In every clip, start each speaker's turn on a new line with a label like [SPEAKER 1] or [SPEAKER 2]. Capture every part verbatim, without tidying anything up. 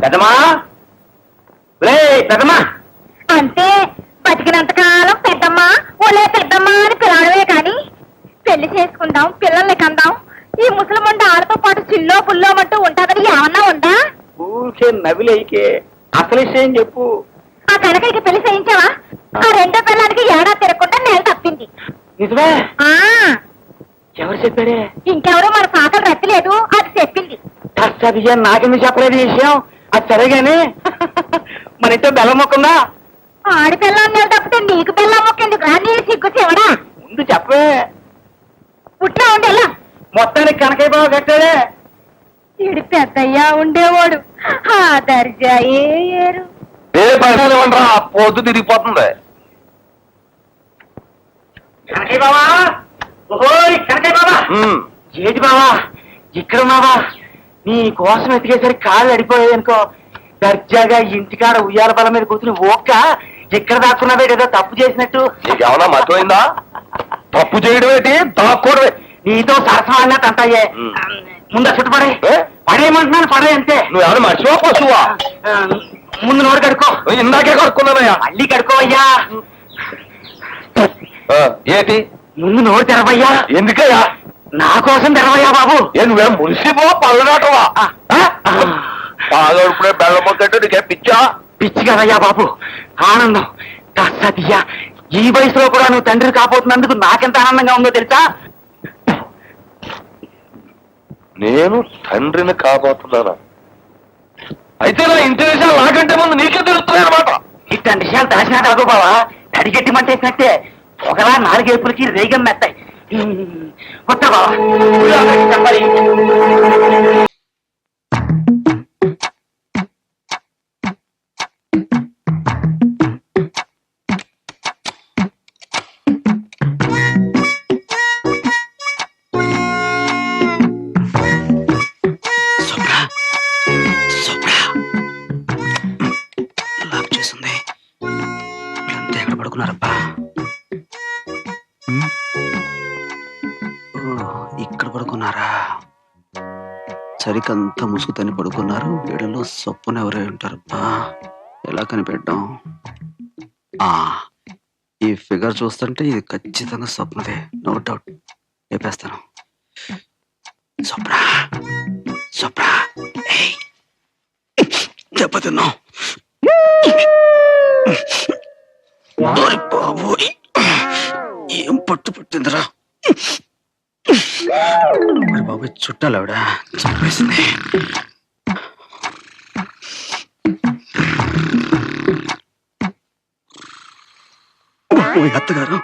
[SPEAKER 1] పెద్దమా లే పెద్దమా
[SPEAKER 2] అంతే బతికినంతకాలం పెద్దమ్మా ఓలే పెద్దమ్మా అని పిలవడమే కాని పెళ్లి చేసుకుందాం పిల్లల్ని కందాం ఈ ముసలమండ ఆడతో పాటు చిల్లో పుల్లోమంటూ ఉంటాదని ఏమన్నా ఉందా?
[SPEAKER 1] ఊరికే నవిలేకే అసలు విషయం చెప్పు.
[SPEAKER 2] ఆ కనకయ్యకి పెళ్లి చేయించావా? ఆ రెండో పిల్లానికి ఏడా తిరగకుండా నేల తప్పింది.
[SPEAKER 1] నిజమే?
[SPEAKER 2] ఆ
[SPEAKER 1] ఎవరు చెప్పారే?
[SPEAKER 2] ఇంకెవరో మన పాకలు రచ్చలేదు, అది చెప్పింది.
[SPEAKER 1] కష్టం నాకెందుకు చెప్పలేదు ఈ విషయం? అది సరేగానే మన ఇంట్లో బెల్లం మొక్కుందా?
[SPEAKER 2] ఆడి పిల్లని నేల తప్పితే నీకు పిల్ల మొక్కేందుకు రా? నీ సిగ్గు చెవడా?
[SPEAKER 1] ముందు చెప్పే.
[SPEAKER 2] పుట్టినా ఉండేలా
[SPEAKER 1] మొత్తానికి కనకయ్య బాబు కట్టాడే.
[SPEAKER 2] ఈడు పెద్దయ్యా ఉండేవాడు ఆ దర్జా ఏరు.
[SPEAKER 3] ఏ పైన పొద్దు తిరిగిపోతుంది.
[SPEAKER 1] కనకయ్య బాబా, ఓహోయ్ కనకయ్య బాబా. ఏది బాబా ఇక్కడ ఉన్నావా? నీ కోసం ఎతికేసరికి కాళ్ళు అడిపోయాయి అనుకో. దర్జాగా ఇంటికాడ ఉయ్యాల బల మీద కూర్చుని ఓక్క ఎక్కడ దాక్కున్నావే ఏదో తప్పు చేసినట్టు.
[SPEAKER 3] నీకేమన్నా మతమైందా? తప్పు చేయడం ఏంటి, దాక్కోవడమే.
[SPEAKER 1] నీతో సరసం అన్నట్టు అంటాయే. ముందు చుట్టుపడే పడేయమంటున్నాను, పడే అంతే.
[SPEAKER 3] నువ్వేమన్నా మర్చిపో పశువా?
[SPEAKER 1] ముందు నోరు కడుక్కో.
[SPEAKER 3] ఇందాకే కడుక్కున్నానయ్యా.
[SPEAKER 1] మళ్ళీ కడుక్కోవయ్యా.
[SPEAKER 3] ఏంటి?
[SPEAKER 1] ముందు నోరు తెరవయ్యా.
[SPEAKER 3] ఎందుకయ్యా?
[SPEAKER 1] నా కోసం తెరవయ్యా బాబు.
[SPEAKER 3] ఏ నువ్వేం మున్సిపో పళ్ళనాటవా? పాదోడుపుడే బెల్లం మొక్కంటే నీకేం పిచ్చా?
[SPEAKER 1] పిచ్చి కదయ్యా బాబు, ఆనందం. సత్య ఈ వయసులో కూడా నువ్వు తండ్రి కాబోతున్నందుకు నాకెంత ఆనందంగా ఉందో తెలుసా?
[SPEAKER 3] నేను తండ్రిని కాబోతున్నానా? అయితే నా ఇంటి విషయాలు నాకంటే ముందు నీకే తెలుస్తున్నాయి అనమాట.
[SPEAKER 1] ఇట్లాంటి విషయాలు దాచినా కాదు బావా, తడిగట్టి మంటేసినట్టే ఒకలా నాలుగేపులకి రేగం మెత్తాయి. కొత్త బావా చెప్పాలి.
[SPEAKER 4] ఇక్కడ పడుకున్నారా? సరికంతా ముసుగుతని పడుకున్నారు. వీడలో సొప్పున ఎవరై ఉంటారబ్బా, ఎలా కనిపెట్టాం? ఆ ఈ ఫిగర్ చూస్తుంటే ఇది ఖచ్చితంగా స్వప్నదే, నో డౌట్. లేపేస్తాను. స్వప్న స్వప్న దెబ్బతిన్నావు బాబోయ్, ఏం పట్టు పట్టిందిరా మరి బాబు. చుట్టాలు ఆవిడ చంపేసింది. అత్తగారు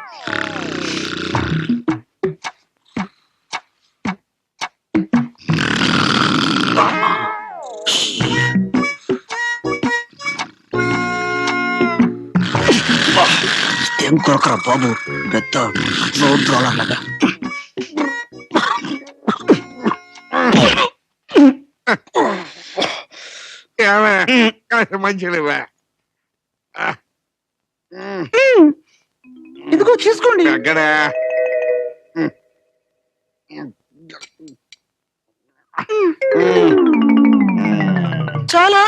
[SPEAKER 4] ఏం కొరకరా బాబు, పెద్ద రోడ్ రోలర్ లాగా.
[SPEAKER 5] మంచిగా
[SPEAKER 4] ఇదిగో తీసుకోండి.
[SPEAKER 5] అక్కడ
[SPEAKER 4] చాలా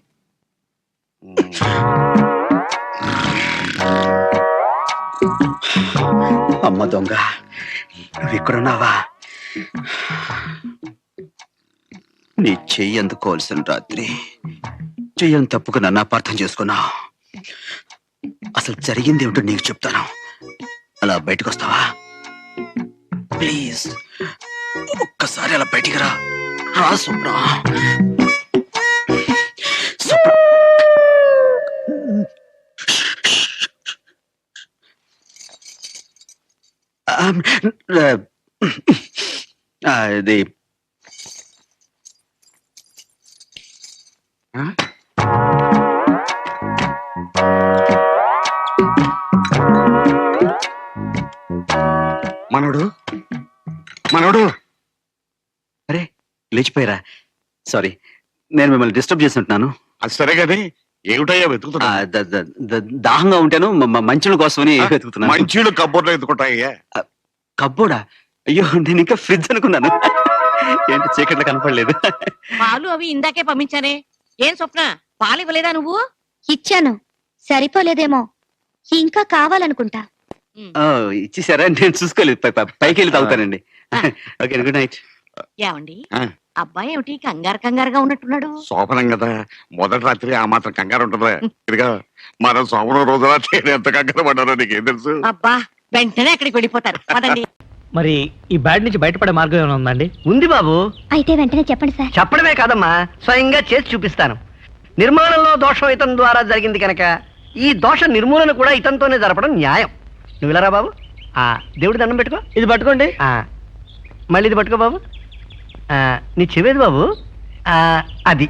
[SPEAKER 4] అమ్మ దొంగ, నువ్వు ఇక్కడున్నావా? నీ చెయ్యి అందుకోవాల్సిన రాత్రి చెయ్యని తప్పుకు నన్ను అపార్థం చేసుకున్నావు. అసలు జరిగింది ఏమిటో నీకు చెప్తాను. అలా బయటకు వస్తావా ప్లీజ్? ఒక్కసారి అలా బయటికి రా. రా స్వప్న. అది
[SPEAKER 5] మనోడు మనోడు
[SPEAKER 4] అరే లేచిపోయారా? సారీ, నేను మిమ్మల్ని డిస్టర్బ్ చేస్తుంటున్నాను.
[SPEAKER 5] అది సరే కదే, ఏమిటయ్యా వెతుకుతున్నా?
[SPEAKER 4] దాహంగా ఉంటాను, మంచుల కోసమని వెతుకుతున్నాను.
[SPEAKER 5] మంచీళ్ళు కబ్బోర్లో ఎత్తుకుంటాయ్యా.
[SPEAKER 4] కబ్బోడా? అయ్యో, నేను ఇంకా ఫ్రిడ్జ్ అనుకున్నాను. ఏంటి చీకట్లో కనపడలేదు?
[SPEAKER 6] పాలు అవి ఇందాకే పంపించానే. ఏం స్వప్న పాలు ఇవ్వలేదా నువ్వు?
[SPEAKER 2] ఇచ్చాను, సరిపోలేదేమో, ఇంకా కావాలనుకుంటా.
[SPEAKER 4] ఓ, ఇచ్చేసారా? నేను చూసుకోలేదు. పై- పై- పైకి వెళ్ళి తాగుతానండి. Okay, good night.
[SPEAKER 6] ఏమండి
[SPEAKER 5] ఆ.
[SPEAKER 6] అబ్బాయి ఏమిటి కంగారు కంగారుగా ఉన్నట్టున్నాడు?
[SPEAKER 5] శోభనం కదా, మొదటి రాత్రి ఆ మాత్రం కంగారు ఉంటుందా? ఇదిగా మనం శోభనం రోజు రాత్రి ఎంత కంగారు పడ్డారో నీకేం తెలుసు?
[SPEAKER 6] అబ్బా వెంటనే అక్కడికి వెళ్ళిపోతారు పదండి.
[SPEAKER 1] మరి ఈ బ్యాడ్ నుంచి బయటపడే మార్గం ఏమైనా ఉందండి?
[SPEAKER 7] ఉంది బాబు.
[SPEAKER 2] అయితే వెంటనే చెప్పండి సార్.
[SPEAKER 7] చెప్పడమే కాదమ్మా, స్వయంగా చేసి చూపిస్తాను. నిర్మాణంలో దోషం ఇతని ద్వారా జరిగింది కనుక ఈ దోష నిర్మూలన కూడా ఇతనితోనే జరపడం న్యాయం. నువ్వు ఇలా రా బాబు. ఆ దేవుడి దండం పెట్టుకో.
[SPEAKER 1] ఇది పట్టుకోండి.
[SPEAKER 7] ఆ మళ్ళీ ఇది పట్టుకో బాబు. ఆ నీ చెవేది బాబు. ఆ అది.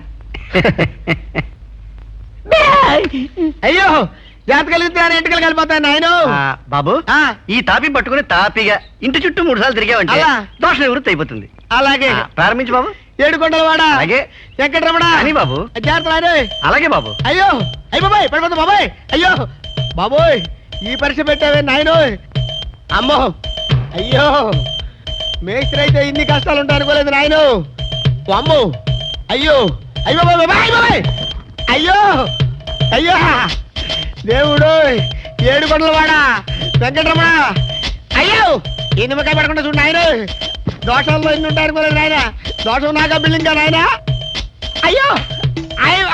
[SPEAKER 1] అయ్యో, జాతకాలు కలిగితే ఎంటకలు కలిపోతాయి నాయన.
[SPEAKER 7] ఆ, బాబు ఈ తాపి పట్టుకుని తాపిగా ఇంటి చుట్టూ మూడు సార్లు తిరిగావంటే
[SPEAKER 1] అలా?
[SPEAKER 7] దోష నివృత్తి అయిపోతుంది.
[SPEAKER 1] అలాగే.
[SPEAKER 7] ఆ, ప్రారంభించు బాబు.
[SPEAKER 1] ఏడు కొండల వాడ.
[SPEAKER 7] అలాగే.
[SPEAKER 1] వెంకటరమణ.
[SPEAKER 7] అని బాబు.
[SPEAKER 1] జాగ్రత్త.
[SPEAKER 7] అలాగే బాబు.
[SPEAKER 1] అయ్యో, అయ్య బాబాయ్, పడిపోతా బాబాయ్. అయ్యో బాబోయ్, ఈ పరీక్ష పెట్టావే నాయనో. అమ్మో, అయ్యో, మేస్త్రి అయితే ఇన్ని కష్టాలు ఉంటాయి అనుకోలేదు నాయను. అమ్మో, అయ్యో, అయ్యో బాబాయ్, బాబాయ్, బాబాయ్, అయ్యో, అయ్యో, దేవుడు, ఏడు కొండల వాడ, వెంకటరమణ. అయ్యో, ఈ నిమ్మకాయ పడకుండా చూడు నాయన. దోషంలో ఇన్ని ఉంటాయి అనుకోలేదు నాయన. దోషం నాకా బిల్డింగ్ కా నాయన. అయ్యో, అయ్యో,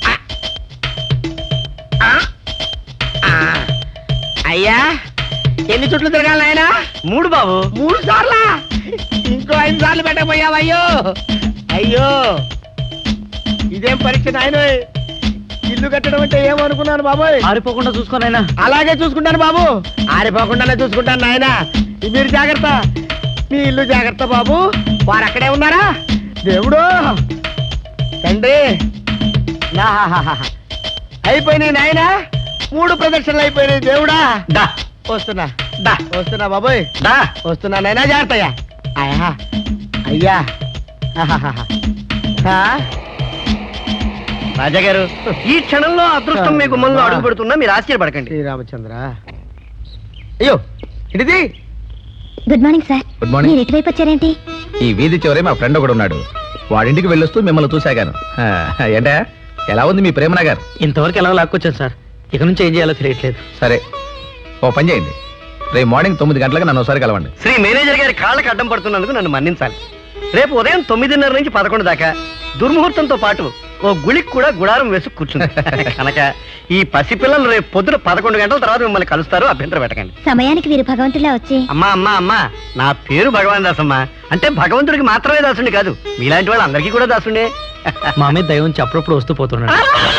[SPEAKER 1] ఆ, ఆ, అయ్యా, ఎన్ని చుట్లు తిరగాలి నాయనా?
[SPEAKER 7] మూడు బాబు.
[SPEAKER 1] మూడు సార్లా? ఇంకో ఐదు సార్లు పెట్టకపోయావు. అయ్యో, అయ్యో, ఇదేం పరీక్ష నాయన. ఇల్లు కట్టడం అంటే ఏమనుకున్నాను బాబోయ్.
[SPEAKER 7] ఆరిపోకుండా చూసుకోనైనా.
[SPEAKER 1] అలాగే చూసుకుంటాను బాబు, ఆరిపోకుండానే చూసుకుంటాను నాయన. మీరు జాగ్రత్త, మీ ఇల్లు జాగ్రత్త బాబు. వారు అక్కడే ఉన్నారా? దేవుడు, తండ్రి, నాహాహాహా. అయిపోయినాయి నాయన, మూడు ప్రదక్షిణలు అయిపోయినాయి. దేవుడా,
[SPEAKER 7] దా
[SPEAKER 1] వస్తున్నా,
[SPEAKER 7] దా
[SPEAKER 1] వస్తున్నా బాబోయ్,
[SPEAKER 7] దా.
[SPEAKER 1] వస్తున్నా నాయనా. జాగ్రత్తయ్యా. అయ్యా, అయ్యా, ఆహాహాహా. ఆ?
[SPEAKER 7] రాజా గారు, ఈ క్షణంలో అదృష్టం మీ గుమ్మంలో అడుగు పెడుతున్నా, మీరు ఆశ్చర్యపడకండి.
[SPEAKER 1] శ్రీరామచంద్ర. అయ్యో, ఇటుది.
[SPEAKER 2] Good morning sir.
[SPEAKER 8] Good morning.
[SPEAKER 2] మీరు ఇటువైపు వచ్చారేంటి?
[SPEAKER 8] ఈ వీధి చివరే మా ఫ్రెండ్ ఒకడు ఉన్నాడు. వాడింటికి వెళ్ళొస్తూ మిమ్మల్ని చూశాగాను. ఆ, ఏంటా, ఎలా ఉంది మీ ప్రేమ నగర్?
[SPEAKER 1] ఇంతవరకు ఎలా లాక్కొచ్చాను సార్, ఇక నుంచి ఏం చేయాలో తెలియట్లేదు.
[SPEAKER 8] సరే, ఓ పని చేయండి, రేపు మార్నింగ్ తొమ్మిది గంటలకు నన్ను ఒకసారి కలవండి.
[SPEAKER 7] శ్రీ మేనేజర్ గారి కాళ్ళకి అడ్డం పడుతున్నందుకు నన్ను మన్నించాలి. రేపు ఉదయం తొమ్మిదిన్నర నుంచి పదకొండు దాకా దుర్ముహూర్తంతో పాటు ఓ గుళికి కూడా గుడారం వేసి కూర్చుంది కనుక ఈ పసిపిల్లలు రేపు పొద్దున పదకొండు గంటల తర్వాత మిమ్మల్ని కలుస్తారు, అభ్యంతరం పెట్టకండి.
[SPEAKER 2] సమయానికి వీరు భగవంతులా వచ్చి.
[SPEAKER 7] అమ్మా అమ్మా అమ్మా, నా పేరు భగవాన్ దాసమ్మా. అంటే భగవంతుడికి మాత్రమే దాసుండి కాదు, మీలాంటి వాళ్ళు అందరికీ కూడా దాసుండే.
[SPEAKER 1] మా మీద దైవం నుంచి అప్పుడప్పుడు వస్తూ పోతున్నాడు.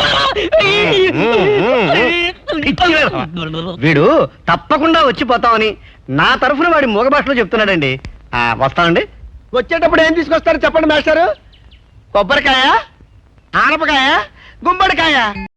[SPEAKER 7] వీడు తప్పకుండా వచ్చిపోతామని నా తరఫున వాడి మూగ భాషలో చెప్తున్నాడండి. ఆ, వస్తానండి.
[SPEAKER 1] వచ్చేటప్పుడు ఏం తీసుకొస్తారు చెప్పండి మాస్టారు? కొబ్బరికాయ, ఆనపకాయ, గుమ్మడికాయ.